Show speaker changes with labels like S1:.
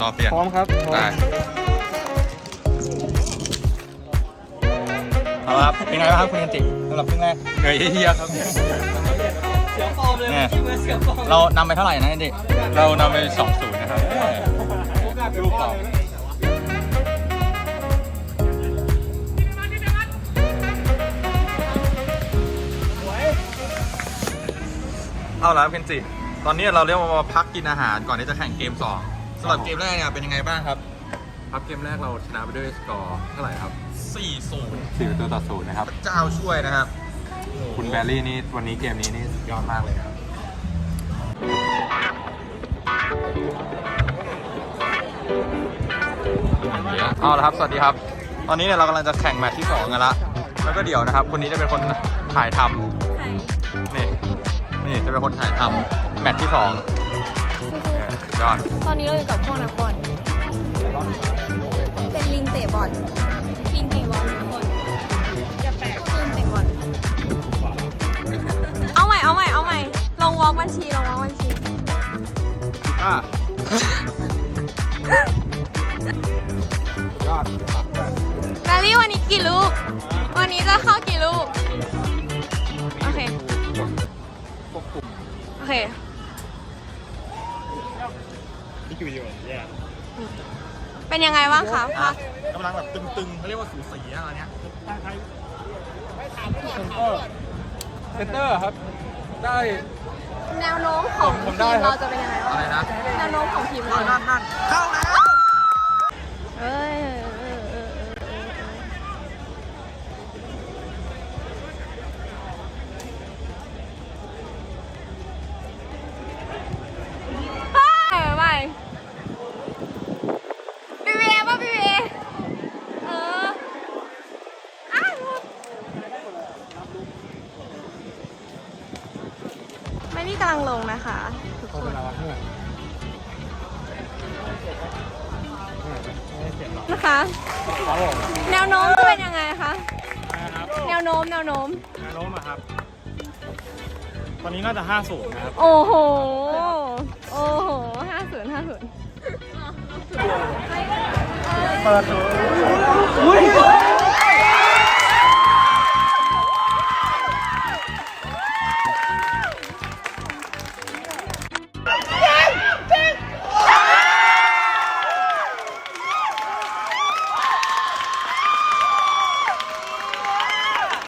S1: รอเปลี่ยน
S2: พร้อมครับ
S1: ได้เอาละครับเป็นไงบ้างครับคุณยันติสำหรับครึ่งแรกเหนื่อยเฮี้ยครับ
S3: เสียงฟอร์มเลยเสียงฟอร์ม
S1: เรานำไปเท่าไหร่นะยันติเรานำไป 2-0 นะครับลูกต่อเอาละเคนจิตอนนี้เราเรียกว่ามาพักกินอาหารก่อนที่จะแข่งเกม2สำหรับเกมแรกเนี่ยเป็นยังไงบ้างครับ
S2: ครับเกมแรกเราชนะไปด้วยสกอร์เท่าไหร่ครับ
S1: 4-0
S2: นะครับ
S1: เจ้าช่วยนะครับ
S2: คุณแบรี่นี่วันนี้เกมนี้นี่ยอดมากเลยครับ
S1: เอาละครับสวัสดีครับตอนนี้เนี่ยเรากำลังจะแข่งแมตช์ที่2กันละแล้วก็เดี๋ยวนะครับคนนี้จะเป็นคนถ่ายทำนี่จะเป็นคนถ่ายทำแมตช์ที่2ยอด
S4: ตอนนี้เราอยู่กับพวกนักบอลเป็นลิงเตะบอลลิงเตะบอลทุกคนจะแปลกลิงเตะบอลเอาใหม่ลงวอล์กบัญชี
S1: ยอด
S4: แบลลี่วันนี้กี่ลูกวันนี้จะเข้ากี่ลูกโอเค
S2: นี่คือวิดีโอแย่
S4: เป็นยังไงบ้างคะ
S1: กำลังแบบตึงๆเขาเรียกว่าสูสีอะไรเนี้ย
S2: เซนเตอร์ครับได้
S4: แนวโน้มของทีมเราจะเป็นยังไงบ้าง
S1: อะไรนะ
S4: แนวโน้มของทีมเรา
S1: นั่นเข้าแล้ว
S4: ไม่นี่กำลังลงนะคะทุกคนนะคะแนวโน้มจะเป็นยังไงคะแนวโน้มอะครับ
S2: ตอนนี้น่าจะ 5-0 นะครับ
S4: โอ้โห50
S2: เปิด